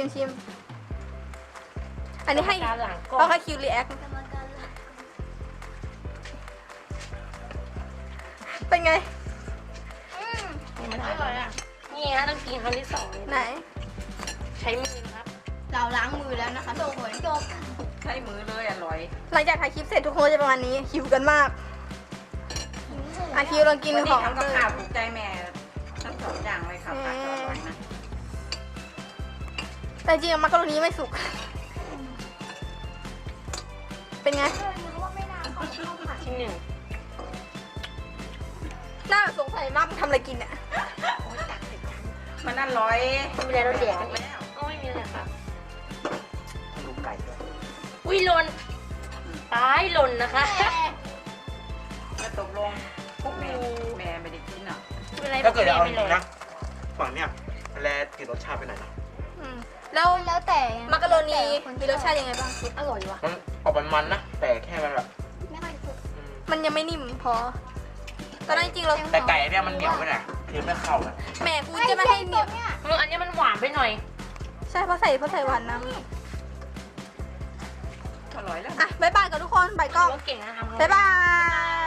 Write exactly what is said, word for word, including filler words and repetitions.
ชิมชิมอันนี้ให้การหลังกล้อเอางให้คิวรีแอคเป็นไงมันอร่อยอ่ะนี่ฮะต้องกินครั้งที่สองเลยไหนใช้มือนะครับเราล้างมือแล้วนะคะทุกคนจบใช้มือเลยอร่อยหลังจากถ่ายคลิปเสร็จทุกคนจะประมาณนี้หิวกันมากอาคิวลองกินวันขนี้องทำกับข้าวถูกใจแม่ทั้งสองอย่างเลยค่ะผักก็อร่อยนะแต่จริงๆมักกะโรนีไม่สุก เป็นไงชิ้นหนึ่งหน้าสงสัยมากมันทำอะไรกินเนี่ยมันอร่อยไม่มีอะไรเราแดกกันแล้แล้ววก็ไม่มีอะไรครับลูกไก่ด้วยอุ้ยหล่นตายหล่นนะคะจะตกลงพวกแม่แม่ไม่ได้กินอ่ะไม่เป็นไรถ้าเกิดจะเอาจไม่ริเลยงๆนะฝั่งเนี้ยแลติดรสชาติไปหน่อยนะอืมแล้วแล้วแต่มักกะโรนีมีรสชาติยังไงบ้างอร่อยว่ะมันออกมันๆนะ แต่แค่มันแบบไม่ค่อยสุกอืมมันยังไม่นิ่มพอ ตอนนั้นจริงๆเราแต่ไก่เนี่ยมันเหนียวไปหน่อยคือไม่เข้าอะแหม่กูจะไม่ให้เหนียวเนี่ยเอออันนี้มันหวานไปหน่อยใช่เพราะใส่เพราะใส่หวานน้อร่อยแล้วำอ่ะบ๊ายบายกับทุกคนบายกล้องว่าเก่งนะทำบ๊ายบาย